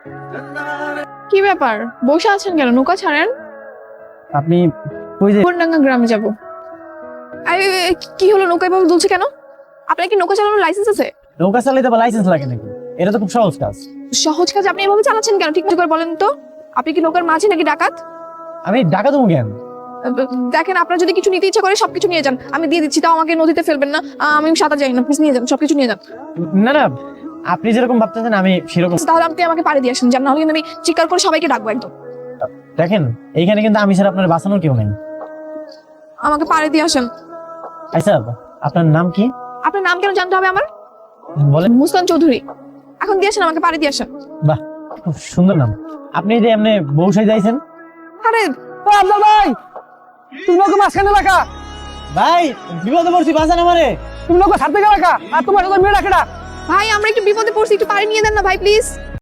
কি ব্যাপার বসে আছেন কেন? নৌকা ছাড়েন। আপনি ওই যে কোনডাঙ্গা গ্রামে যাব। আরে কি হলো, নৌকা এভাবে দুলছে কেন? আপনার কি নৌকা চালানোর লাইসেন্স আছে? নৌকা চালাইতে বা লাইসেন্স লাগে নাকি? এটা তো খুব সহজ কাজ। সহজ কাজ আপনি এভাবে চালাচ্ছেন কেন? ঠিক করে বলেন তো, আপনি কি নৌকার মাঝি নাকি ডাকাত? আমি ঢাকা দেবো কেন? দেখেন, আপনার যদি কিছু নিতে ইচ্ছা করে সবকিছু নিয়ে যান, আমি দিয়ে দিচ্ছি, তাও আমাকে নদীতে ফেলবেন না। আমি সাঁতার জানি না, প্লিজ নিয়ে যান, সবকিছু নিয়ে যান। না না, আপনি যেরকম ভাবতেছেন আমি সেরকম। তাহলে আপনি আমাকে পাড়ে দিয়ে আসেন, জান, নাহলে কিন্তু আমি চিৎকার করে সবাইকে ডাকবো একদম। দেখেন এইখানে কিন্তু আমি ছাড়া আপনার বাঁচানোর কেউ নেই। আমাকে পাড়ে দিয়ে আসেন। আচ্ছা, আপনার নাম কি? আপনার নাম কেন জানতে হবে আমার? বলেন। মুসকান চৌধুরী। এখন দিয়ে আসেন, আমাকে পাড়ে দিয়ে আসেন। বাহ, খুব সুন্দর নাম। আপনি যে এমনি বউ সাই যাইছেন? আরে আব্দুল ভাই, তুমি নৌকা মাঝখানে রাখা। ভাই বিপদে পড়ছি, বাঁচান আমারে। তুমি নৌকা ছাড়তে গেলে রাখা, আর তোমার সাথে মেয়ে রাখা। ভাই, আমরা একটু বিপদে পড়ছি, একটু পাড়ে নিয়ে দেন না ভাই, প্লিজ।